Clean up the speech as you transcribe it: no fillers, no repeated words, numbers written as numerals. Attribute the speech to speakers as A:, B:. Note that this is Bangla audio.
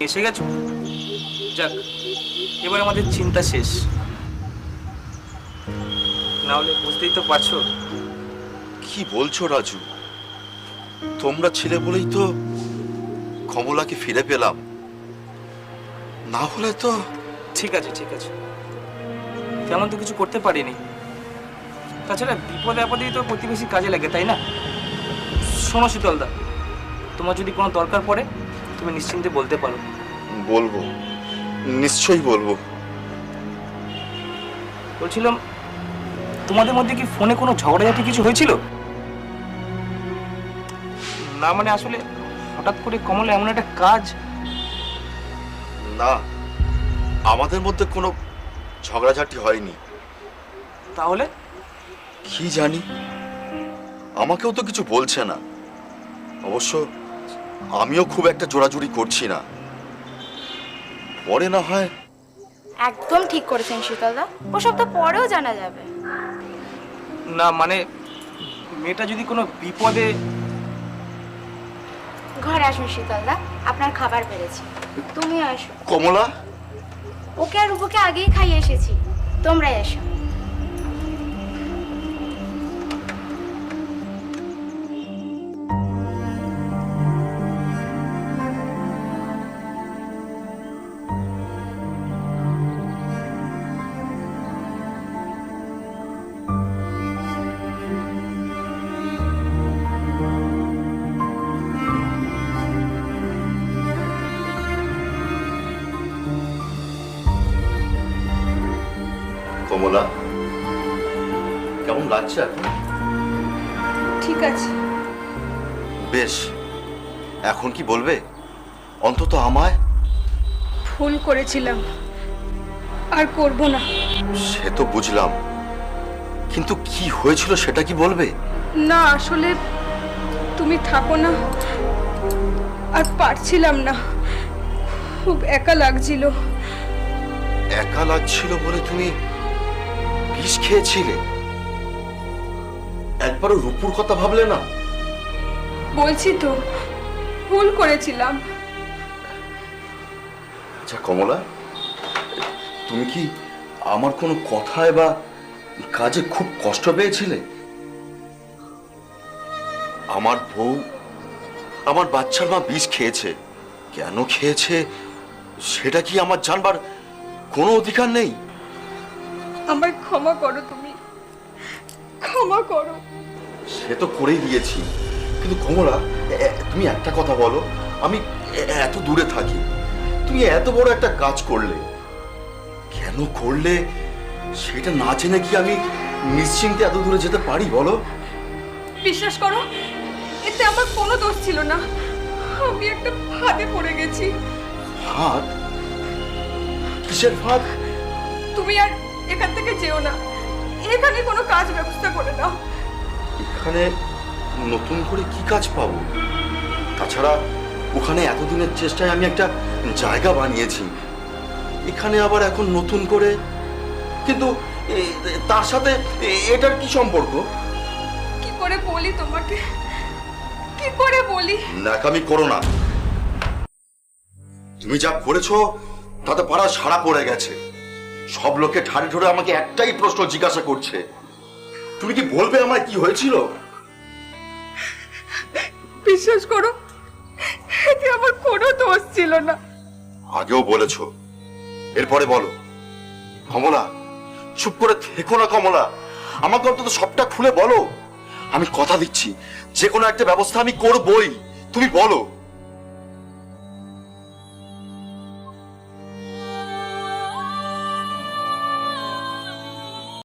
A: এসে গেছো? যাক, এবার আমাদের চিন্তা শেষ। না হলে বুঝতেই তো পারছো।
B: কি বলছো রাজু? তোমরা ছিলে বলেই তো কমলাকে ফিরে পেলাম, না হলে তো।
A: ঠিক আছে ঠিক আছে, তেমন তো কিছু করতে পারিনি। তাছাড়া বিপদে আপদেই তো প্রতিবেশী কাজে লাগে, তাই না? শোনো শীতলদা, তোমার যদি কোনো দরকার পড়ে তুমি নিশ্চিন্তে বলতে পারো।
B: বলবো, নিশ্চয়ই বলবো।
A: বলছিলাম, তোমাদের মধ্যে কি ফোনে কোনো ঝগড়াঝাটি কিছু হয়েছিল? না মানে আসলে হঠাৎ করে কমলা এমন একটা কাজ।
B: না, আমাদের মধ্যে কোনো ঝগড়াঝাটি হয়নি।
A: তাহলে?
B: কি জানি, আমাকেও তো কিছু বলছে না। অবশ্য আমিও খুব একটা জোরাজুরি করছি না, পরে না হয়।
C: একদম ঠিক করেছেন শীতলদা, ওসব তো পরেও জানা যাবে।
A: না মানে মেয়েটা যদি কোনো বিপদে।
C: ঘরে আসুন শীতলদা, আপনার খাবার বেড়েছে, তুমি আসো।
B: কমলা,
C: ওকে আর রূপকে আগেই খাইয়ে এসেছি, তোমরাই এসো।
B: কমলা, কেমন লাগছে এখন?
D: ঠিক আছে।
B: বেশ, এখন কি বলবে অন্তত আমায়?
D: ভুল করেছিলাম, আর করব না।
B: সে তো বুঝলাম, কিন্তু কি হয়েছিল সেটা কি বলবে?
D: না আসলে তুমি থাকো না, আর পারছিলাম না, খুব একা লাগছিল।
B: একা লাগছিল বলে তুমি বিষ খেয়েছিলে? একবারও রূপুর কথা ভাবলে না?
D: বলছি তো, ভুল করেছিলাম।
B: আচ্ছা কমলা, তুমি কি আমার কোনো কথায় বা কাজে খুব কষ্ট পেয়েছিলে? আমার বউ, আমার বাচ্চার মা বিষ খেয়েছে, কেন খেয়েছে সেটা কি আমার জানবার কোনো অধিকার নেই?
D: আমায় ক্ষমা করো, তুমি ক্ষমা করো।
B: সে তো করেই দিয়েছি, কিন্তু কমলা তুমি একটা কথা বলো, আমি এত দূরে থাকি, তুমি এত বড় একটা কাজ করলে, কেন করলে সেটা না জেনে কি আমি নিশ্চিন্তে এত দূরে যেতে পারি বলো?
D: বিশ্বাস করো, এতে আমার কোনো দোষ ছিল না, আমি একটা ফাঁদে পড়ে গেছি।
B: ফাঁদ? কিসের ফাঁদ?
D: তুমি আর এখান থেকে যেও না, এখানে কোনো কাজ ব্যবস্থা করে নাও।
B: এখানে নতুন করে কি কাজ পাবো? তাছাড়া ওখানে এতদিনের চেষ্টায় আমি একটা জায়গা বানিয়েছি, এখানে আবার এখন নতুন করে। কিন্তু তার সাথে এটার কি সম্পর্ক?
D: কি করে বলি তোমাকে, কি করে বলি?
B: ন্যাকামি করো না, তুমি যা করেছো তাতে পাড়া সারা পড়ে গেছে। সব লোকে ঠাড়ে ঠোড়ে আমাকে একটাই প্রশ্ন জিজ্ঞাসা করছে, তুমি কি বলবে আমার কি হয়েছিল?
D: বিশ্বাস করো, এতে আমার কোনো দোষ ছিল না।
B: আগেও বলেছো, এরপরে বলো। কমলা, চুপ করে থেকো না কমলা, আমাকে অন্তত সবটা খুলে বলো। আমি কথা দিচ্ছি, যে কোনো একটা ব্যবস্থা আমি করবই, তুমি বলো।